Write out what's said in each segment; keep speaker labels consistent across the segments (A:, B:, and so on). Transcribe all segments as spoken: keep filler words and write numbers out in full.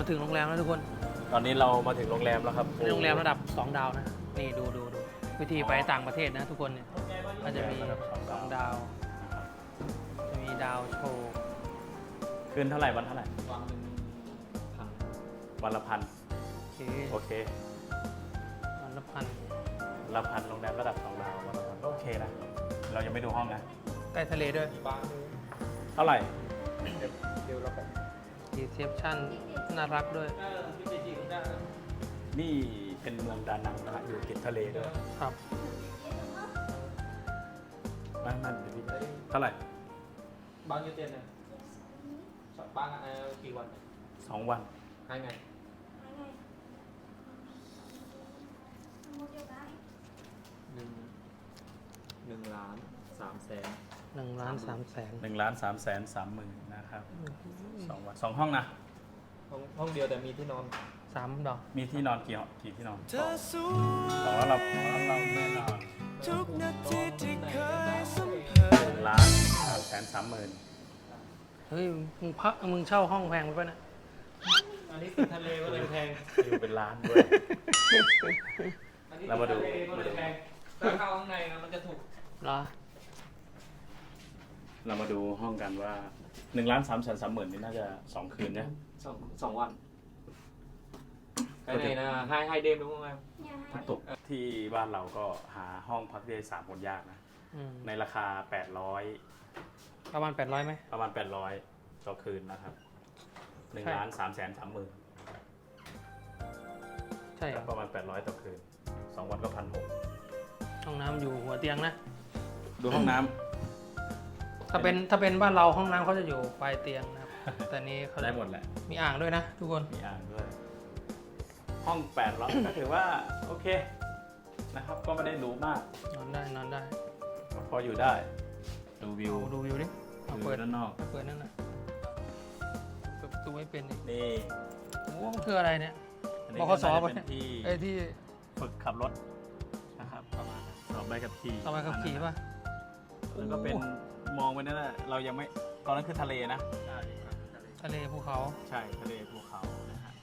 A: ถึงโรงแรมแล้วทุกคน
B: ตอนนี้เรามาถึงโรงแรมแล้วครับ
A: เป็นโรงแรมระดับสองดาวนะนี่ดูดูดูวิธีไปต่างประเทศนะทุกคนเนี่ยก็จะมีสองดาวจะมีดาวโชว์
B: คืนเท่าไหร่วันเท่าไหร่
C: วันหนึ่งพัน
B: วันละพัน
A: โอเค
B: โอเค
A: วันละพัน
B: วันละพันโรงแรมระดับสองดาววันละพันก็โอเคนะเรายังไม่ดูห้องนะ
A: ใกล้ทะเลด้วย
C: มีบ้าน
B: เท่าไหร่
C: เดียวเราไป
A: รีเซพชั่นน่ารักด้วย
B: นี่เป็นเมืองดานังนะฮะอยู่ติดทะเลด้วย
A: ครับ
B: บ้านมันเดี๋ยวพี่เท่าไหร่
C: บ้านยูเตียนเนี่ยบ้านอะไรกี่วัน
B: สองวัน
C: ให้ไงหนึ่งหนึ่งล้านสามแสน
A: หนึ่งล้านสามแสน
B: หนึ่งล้านสามแสนสามหมื่นนะครับสองวันสองห้องนะ
C: ห้องห้องเดียวแต่มีที่นอน
A: สามดอก
B: มีที่นอนกี่ห้องกี่ที่นอนสองสองแล้วเราสองแล้วเราแน่นอน
C: ทุกนาทีที่เคยสัม
B: หนึ่งล้านสามแสนสามหมื่น
A: เฮ้ยมึงพักมึงเช่าห้องแพงไปป่ะเนี่ย
C: อันนี้คือทะเลก็เลยแพง
B: อยู่เป็นล้านด้วย เรามาดู
C: ทะเลก็เลยแพงถ้าเข้าข้างในนะมันจะถูก
A: เหรอ
B: เรามาดูห้องกันว่าหนึ่งล้านสามแสนสามหมื่นนี่น่าจะสองคืนเนี่ย
C: สองสองวันใครไหนนะให้ให้เดมรู้ไหม
B: ตกที่บ้านเราก็หาห้องพักได้สามคนยากนะ
A: อืม
B: ในราคาแปดร้อย
A: ประมาณแปดร้อยไหม
B: ประมาณแปดร้อยต่อคืนนะครับหนึ่ง
A: ใช่
B: ล้านสามแสนสามหมื่น
A: ใช่เหรอ
B: ประมาณแปดร้อยต่อคืนสองวันก็พันหก
A: ห้องน้ำอยู่หัวเตียงนะ
B: ดูห้องน้ำ
A: ถ้าเป็นถ้าเป็นบ้านเราห้องน้ำเขาจะอยู่ปลายเตียงนะครับ แต่นี้เขา
B: ได้หมดแหละ
A: มีอ่างด้วยนะทุกคน
B: มีอ่างด้วย ห้องแปดร้อย ก็ถือว่าโอเคนะครับ ก็ไม่ได้หรูมาก
A: นอนได้นอนได้
B: ก็พออยู่ได้ดูวิว
A: เอาดูวิวดิเอา
B: ดู
A: เปิด
B: ด้านนอก
A: เปิดนั่นน่ะเปิดประตูไม่เป็นอีก
B: นี่
A: โอ้มันคืออะไรเนี่ย
B: อันนี้
A: บ
B: ก็
A: ขส
B: น่าจะ
A: ปะ
B: เป็นที่
A: ไอ้ที่
B: ฝึกขับรถนะครับประมาณนั้นสอบใบขับขี่
A: สอบใบขับขี่ป่ะ
B: แล้วก็เป็นมองไปนั่นแหละเรายังไม่ตอนนั้นคือทะเลนะใช่
A: ทะเลภูเขา
B: ใช่ทะเลภูเขานะฮะ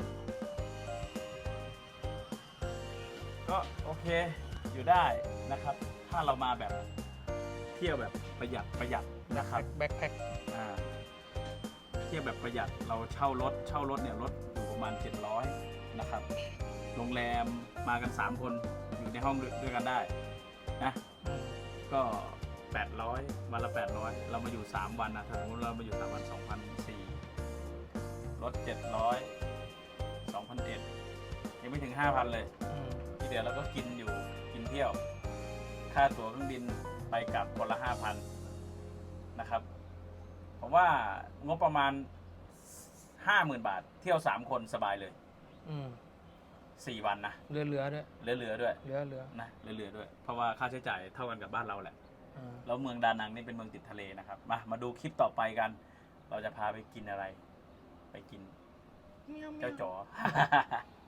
B: ก็โอเคอยู่ได้นะครับ ถ้าเรามาแบบเที่ยวแบบประหยัดประหยัดนะครับ
A: แบ็คแพ็ค
B: อ่าเที่ยวแบบประหยัดเราเช่ารถเช่ารถเนี่ยรถอยู่ประมาณเจ็ดร้อยนะครับโรงแรมมากันสามคนอยู่ในห้องด้วยกันได้นะก็แปดร้อยวันละแปดร้อยเรามาอยู่สามวันนะถ้าสมมติเรามาอยู่สามวันสองพันสี่รถเจ็ดร้อยสองพันเอ็ดยังไม่ถึงห้าพันเลยที่เดี๋ยวเราก็กินอยู่กินเที่ยวค่าตั๋วเครื่องบินไปกลับคนละห้าพันนะครับผมว่างบประมาณห้าหมื่นบาทเที่ยวสามคนสบายเลย
A: อืม
B: สี่วันนะ
A: เรือเรือด้วย
B: เหลือๆด้วย
A: เรือเรือ
B: นะเหลือๆด้วยเพราะว่าค่าใช้จ่ายเท่ากันกับบ้านเราแหละ
A: อ่า
B: แล้วเมืองดานังนี่เป็นเมืองติดทะเลนะครับ มา มาดูคลิปต่อไปกัน เราจะพาไปกินอะไร ไปกินเจ้าจ๋อ